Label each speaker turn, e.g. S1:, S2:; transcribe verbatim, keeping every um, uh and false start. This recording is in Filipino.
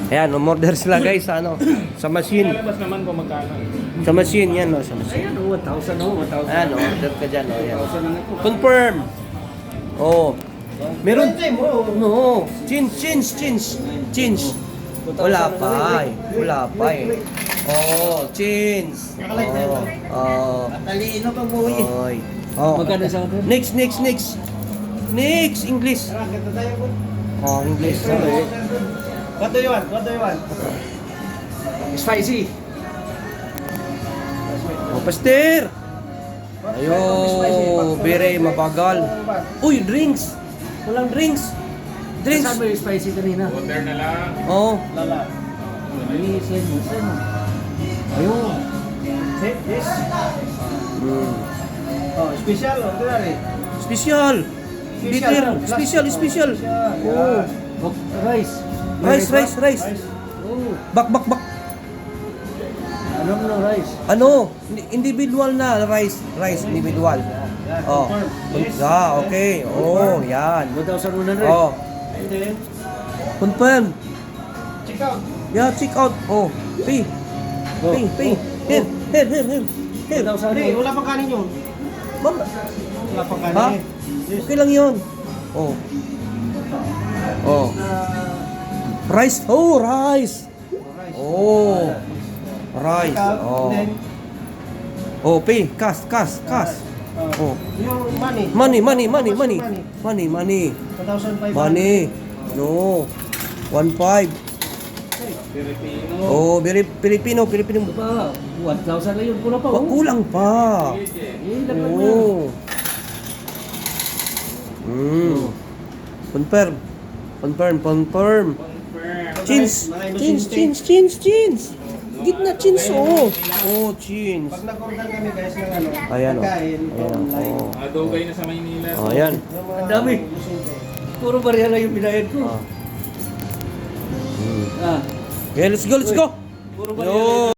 S1: Ayan, umorder sila guys sa ano, sa machine.
S2: Lalabas naman kung magkano.
S1: Sa machine yan, no, sa machine.
S3: Ayan, oh, one thousand, oh, one thousand.
S1: Ayan, order ka dyan, oh, yan.
S3: one thousand lang ito.
S1: Confirm. Oh. Meron no. Change, change, change. Change. Wala pa eh. Wala pa eh. Oh, change. Oh. Oh.
S3: Talino pa mo eh.
S1: Oy. Oh.
S3: Magkano sa atin?
S1: Next, next, next. Next, English. Oh, English.
S4: What do you want? What do you want?
S3: Spicy.
S1: Oh, Pastor. Ayo, bere mabagal. Uy, drinks. Walang drinks. Drinks.
S3: Saan ba yung spicy kanina?
S2: Order na lang.
S1: Oh.
S4: Lala.
S3: Ay, send mo, send mo.
S1: Ayun.
S4: See, this?
S1: Mm.
S4: Oh, special, ordinary.
S1: Special. Bitter. Special, special. Oh.
S3: Oh, rice.
S1: Rice, rice, rice.
S3: Oh,
S1: Bak, bak, bak.
S3: ano mo rice?
S1: Ano? Indi- Individual na rice. Rice, individual. Oh. Ah, okay. Oh, yan.
S3: one thousand one hundred.
S1: Oh.
S4: And then,
S1: Confirm.
S4: check out.
S1: Yeah, check out. Oh. Pay.
S3: Oh.
S1: Pay, pay. Here, here, here, here. Here.
S3: one thousand.
S4: Hindi, wala pang kanin yun.
S1: Ma'am,
S4: Wala pang
S1: ha?
S4: kanin. Yes.
S1: Okay lang yun. Oh. Oh. Rice. Oh, rice. Oh. Rice.
S4: Check out.
S1: Oh.
S4: Then,
S1: Oh, pay. Cash, cash, cash. Oh.
S4: yung money.
S1: Money, money, money,
S4: How much
S1: money.
S4: money?
S1: Money, money.
S4: one thousand five hundred.
S1: Money. No. One five.
S2: Filipino.
S1: Oh, very Filipino, Filipino.
S3: Ito pa, one thousand na yun. Kulang pa.
S1: Wag
S3: Oh.
S1: kulang pa.
S3: Eh, laglag mo yan.
S1: Oh. Mm. Confirm. Confirm, confirm.
S2: Confirm.
S1: Chins.
S4: Mga
S1: Chins,
S4: inosente.
S1: chins, chins, chins. Gitna chins, oh. Oh, chins.
S4: Pag nag-order kami guys ng ano,
S1: Ayan, oh.
S4: pagkain,
S1: Ayan,
S4: online.
S1: oh.
S2: Adugay na sa Maynila.
S1: Oh, ayan.
S4: Yung mga
S3: Ang dami.
S4: inosente.
S3: Puro bariya lang yung binayad ko.
S1: Ah. Mm.
S3: Ah.
S1: Okay, let's go, let's go.
S3: Puro bariya lang
S1: Yo.
S3: yung